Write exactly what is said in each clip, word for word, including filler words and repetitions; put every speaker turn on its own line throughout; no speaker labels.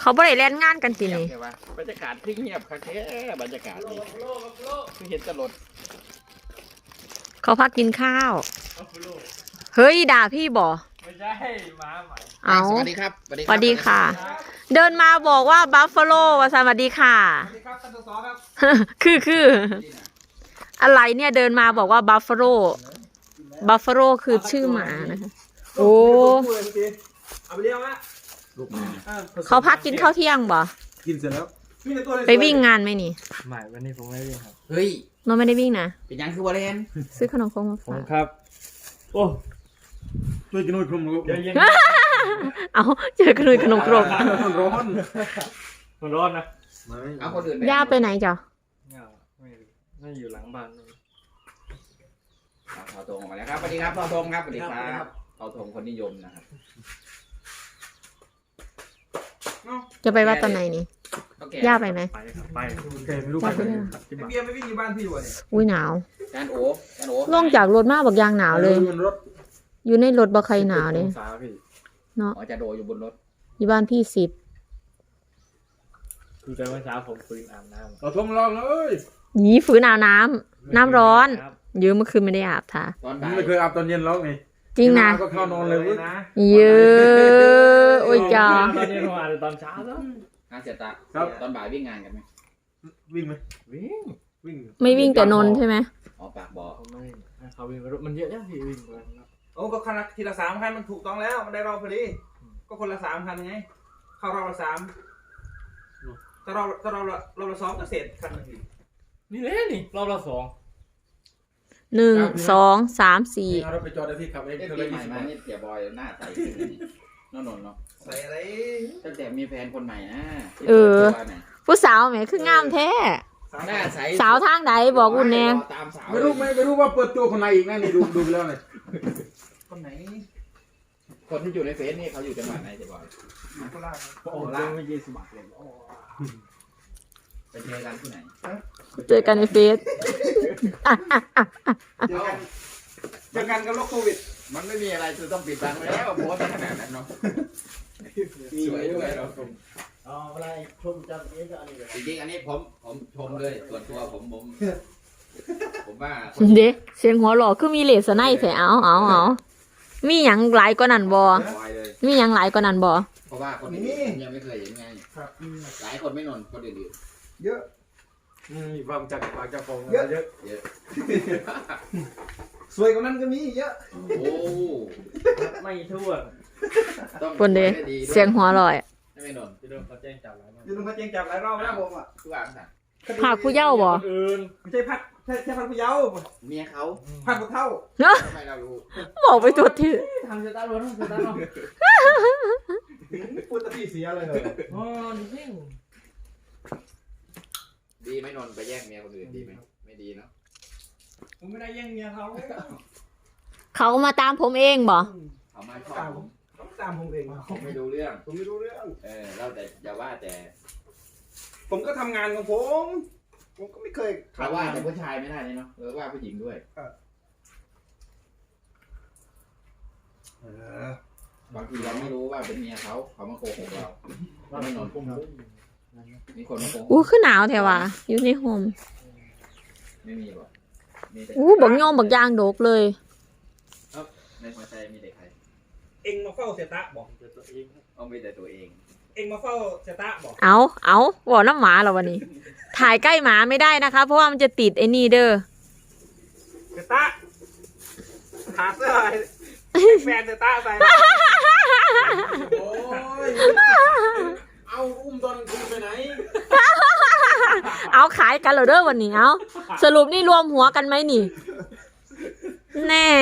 เขาบ่ได้เล่นงานกันทีนี้
บรรยากาศที่เงียบค่ะแค่บรรยากาศนี่คือเห็นตลด
เขาพักกินข้าวเฮ้ยด่าพี่บ่
ไม่ใช่หมาใหม่
เอา
สวัสดีครับ
สวัสดีค่ะเดินมาบอกว่าบัฟฟาโลว่าสวัสดีค่ะ
สวัสดีครับท่านสสครับ
คือคืออะไรเนี่ยเดินมาบอกว่าบัฟฟาโลบัฟฟาโลคือชื่อหมานะคะโอ้
เอาไปเลี้ยงละ
เขาพักกินข้าวเที่ยงบ่
กินเสร็จแล้ว
ไปวิ่งงานไหมนี่
ไม่วันนี้ผมไม่ได้วิ่งครับ
เฮ้ย
น้องไม่ได้วิ่งนะ
เป็นยังคือวาเลน
ซื้อขนมครกมาฝาก
ครับโอ้
ช่วยกินหน่อยขนมครก
เอาเจอขนมขนมครก
มันร้อน
มันร้อนนะ
เอาคนอื่น
ย่าไปไหนจ้ะ
ไม่ไม่อยู่หลังบ้าน
เท่าทงออกมาแล้วครับสวัสดีครับเท่าทงครับสวัสดีครับเท่าทงคนนิยมนะครับ
จะไปวัดตอนไหนนี่ย่าไปไหม
ไปครับไป
แกไม่รู้ไปไหน
เบียร์ไม่วิ่งอยู่บ้านพี่อยู่เนี่ย
อุ้ยหนาว
จานโอ๋จานโอ๋
ลงจากรถมาบอกยางหนาวเลยอยู่ในรถบ่ใครหนาวเลยเนาะ
จะโดอยู่บนรถ
อยู่บ้านพี่สิบ
คือแต่เมื่อเช้าผมฟื้นอาบน้ำ
เราทงลองเลย
หนีฝืนอาบน้ำน้ำร้อนเยอะเมื่อคืนไม่ได้อาบท่า
ไม่เคยอาบตอนเย็นแล้วไง
จริงนะ
ก็เข้านอนเลย
นะ
เยอะโอ้ยจ้า
ตอนเย็นผมอาบตอนเช้าแล้ว
งานเสร็จตาตอนบ่ายวิ่งงานกันไหม
วิ่งไหม
วิ่ง
วิ่ง
ไม่วิ่งแต่นนใช่ไหม
อ๋อปากบ่อ
เขาไม่เขาวิ่งมันเยอะแล้วพี่วิ่งกัน
โอ้ก็คันละทีละสามคันมันถูกต้องแล้วมันได้รอบพอดีก็คนละสามคันไงเข้ารอบละสามถ้าเราถ้าเราเราละสองก็เสร็จคันนึง
นี่เลยนี่รอบละสอง
หนึ่งสองสามสี่
เราไปจอดได้ที่ขับเอง
เธอเลยมานี่เสียบอยหน้าใสนนนเนาะ
ใส่อะไร
ตั้งแต่มีแฟนคนใหม่นะ
เออผู้สาวแหมคืองามแท้
หน้าใส
สาวทางใดบอกคุณแน่
ไม่รู้ไม่ไม่รู้ว่าเปิดตัวคนไหนอีกนะนี่ดูดูแล้วเลย
คนไหน
คนที่อยู่ในเฟซนี่เขาอยู่จังหวัดไหนเสียบอย
โคราช
โอ้ล่าไม่ยี่สิบบาทเลย
ไปเจอกันที่ไหน
เจอกันในเฟซ
เจอกันเจอกันกับโรคโควิด
มันไม่มีอะไรคือต้องปิดบังแล้วโพสต์ขนาดนั้นเนาะสวยด้วยเราชม
อ๋ออะไรชมจังนี้ก็อันนี้
จริงๆอันนี้ผมผมชมเลยส่วนตัวผมผมผมว่า
เด็กเสียงหัวหล่อคือมีเลสไนแถวเอาเอาเอามีอย่างหลายกว่านั้นบ่มีอย่างหลายกว่านั้นบ่
เพราะว่าคนนี้ยังไม่เคยเห็นไงหลายคนไม่นอนคนอื่น
เยอะ
มีความจักรปากจักรฟอง
เยอะเยอะเยอะ
สวยกว่านั้นก็มีเยอะ
โอ้
ไม่ทั่ว
คนเดียเสียงหัวลอย
ไม่นอน
จะโดนเขาแจ้งจับหลายรอบ
จะโดนเขาแจ้งจับหลายรอบแล้วผมอ่ะ
ทุกอย่างสั่ง
ผักผู้เย้าบ่
ไม่ใช่พัดใช่ใช่พัดผู้เย้า
เมียเขา
พัดผู้เท่า
ทำไมเรารู้
บอกไปตัวที่
ทำจะตาล้วนทำจะตาล้วน
พูดตะพี่เสียเลยเหรอ
อ๋อจริง
ดีไม่นอนไปแย่งเมียคนอื่นดีไหมไม่ดีเนาะ
ผมไม่ได้แย่งเมียเขา
เขามาตามผมเองบ่
เขามาชอบผม
เขาตามผมเอง
ผมไม่รู้เรื่อง
ผมไม่รู้เรื่อง
เออเราแต่อย่าว่าแต่
ผมก็ทำงานของผมผมก็ไม่เคย
เราว่าแต่ผู้ชายไม่ได้เนาะหรือว่าผู้หญิงด้วยบางทีเราไม่รู้ว่าเป็นเมียเขาเขามาโกหกเราเราไม่นอนพุ่งมีคนมาโกหก
อู้คือหนาวแถวว่ะอยู่ในโฮม
ไม่มีหรอ
อู้บักย่อมบักยางโดกเลย
ในหัวใจมีแต่ใคร
เอ็งมาเฝ้าเสตะบอก
ตัวเองเอาไม่แต่ตัวเอง
เอ็งมาเฝ้าเสตะบอก
เอาเอาบอกน้ำหมาเราวันนี้ถ่ายใกล้หมาไม่ได้นะคะเพราะว่ามันจะติดไอ้นี่เด้อ
เสตะหาเสื้อแฟนเสตะใส่
โอ้ยเอาอุ้มตอนคืนไปไหน
เอาขายกันเหรอเด้อวันนี้เอาสรุปนี่รวมหัวกันไหมนี่แน่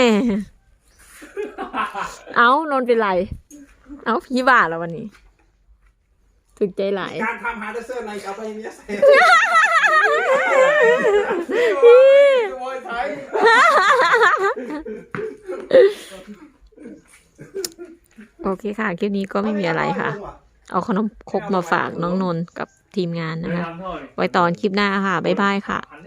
เอานนเป็นไรเอาพี่บ้าแล้ววันนี้ถึกใจหลาย
การทำหาเสื้อในเอาไปเนี้ยใส่
โอ้ยไทย
โอเคค่ะคลิปนี้ก็ไม่มีอะไรค่ะเอาขนมครกมาฝากน้องนนท์กับทีมงานนะคะไว้ตอนคลิปหน้าค่ะบ๊ายบายค่ะ